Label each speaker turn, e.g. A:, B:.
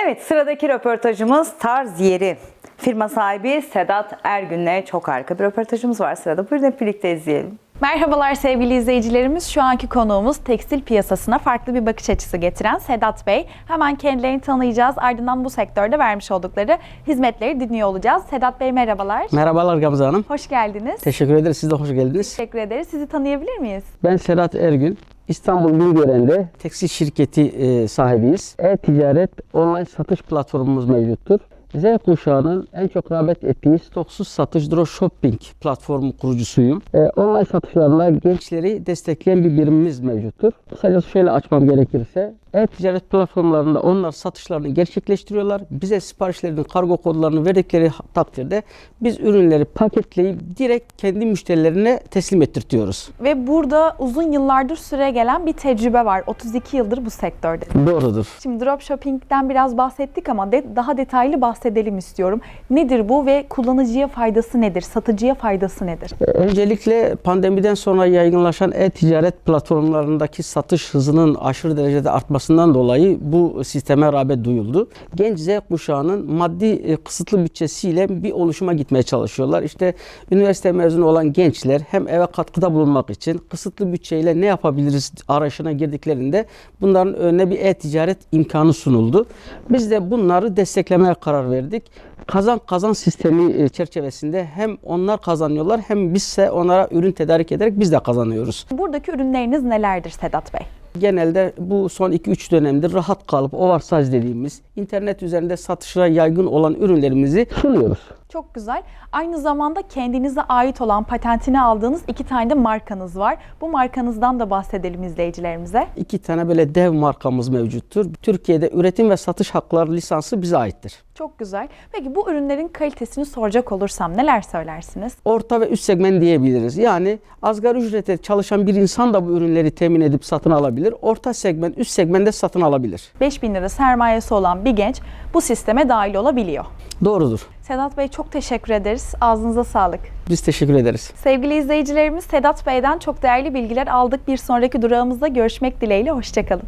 A: Evet, sıradaki röportajımız Tarz Yeri. Firma sahibi Sedat Ergün'le çok harika bir röportajımız var sırada. Buyurun hep birlikte izleyelim.
B: Merhabalar sevgili izleyicilerimiz. Şu anki konuğumuz tekstil piyasasına farklı bir bakış açısı getiren Sedat Bey. Hemen kendilerini tanıyacağız. Ardından bu sektörde vermiş oldukları hizmetleri dinliyor olacağız. Sedat Bey merhabalar.
C: Merhabalar Gamze Hanım.
B: Hoş geldiniz.
C: Teşekkür ederiz. Siz de hoş geldiniz.
B: Teşekkür ederiz. Sizi tanıyabilir miyiz?
C: Ben Sedat Ergün. İstanbul Bingören'de tekstil şirketi sahibiyiz. E-ticaret online satış platformumuz mevcuttur. Z kuşağının en çok rağbet ettiği stoksuz satış dropshipping platformu kurucusuyum. Online satışlarla gençleri destekleyen bir birimimiz mevcuttur. Kısacası şöyle açmam gerekirse, e-ticaret platformlarında onlar satışlarını gerçekleştiriyorlar. Bize siparişlerinin kargo kodlarını verdikleri takdirde biz ürünleri paketleyip direkt kendi müşterilerine teslim ettirtiyoruz.
B: Ve burada uzun yıllardır süre gelen bir tecrübe var. 32 yıldır bu sektörde.
C: Doğrudur.
B: Şimdi dropshipping'den biraz bahsettik ama daha detaylı bahsedelim istiyorum. Nedir bu ve kullanıcıya faydası nedir? Satıcıya faydası nedir?
C: Öncelikle pandemiden sonra yaygınlaşan e-ticaret platformlarındaki satış hızının aşırı derecede artmasından dolayı bu sisteme rağbet duyuldu. Genç Z kuşağının maddi kısıtlı bütçesiyle bir oluşuma gitmeye çalışıyorlar. İşte üniversite mezunu olan gençler hem eve katkıda bulunmak için kısıtlı bütçeyle ne yapabiliriz arayışına girdiklerinde bunların önüne bir e-ticaret imkanı sunuldu. Biz de bunları desteklemeye karar verdik. Kazan sistemi çerçevesinde hem onlar kazanıyorlar hem bizse onlara ürün tedarik ederek biz de kazanıyoruz.
B: Buradaki ürünleriniz nelerdir Sedat Bey?
C: Genelde bu son 2-3 dönemdir rahat kalıp oversize dediğimiz internet üzerinde satışa yaygın olan ürünlerimizi sunuyoruz.
B: Çok güzel. Aynı zamanda kendinize ait olan patentini aldığınız 2 tane de markanız var. Bu markanızdan da bahsedelim izleyicilerimize.
C: 2 tane böyle dev markamız mevcuttur. Türkiye'de üretim ve satış hakları lisansı bize aittir.
B: Çok güzel. Peki bu ürünlerin kalitesini soracak olursam neler söylersiniz?
C: Orta ve üst segment diyebiliriz. Yani asgari ücrete çalışan bir insan da bu ürünleri temin edip satın alabilir. Orta segment, üst segmentte satın alabilir.
B: 5.000 lira sermayesi olan bir genç bu sisteme dahil olabiliyor.
C: Doğrudur.
B: Sedat Bey çok teşekkür ederiz. Ağzınıza sağlık.
C: Biz teşekkür ederiz.
B: Sevgili izleyicilerimiz, Sedat Bey'den çok değerli bilgiler aldık. Bir sonraki durağımızda görüşmek dileğiyle. Hoşça kalın.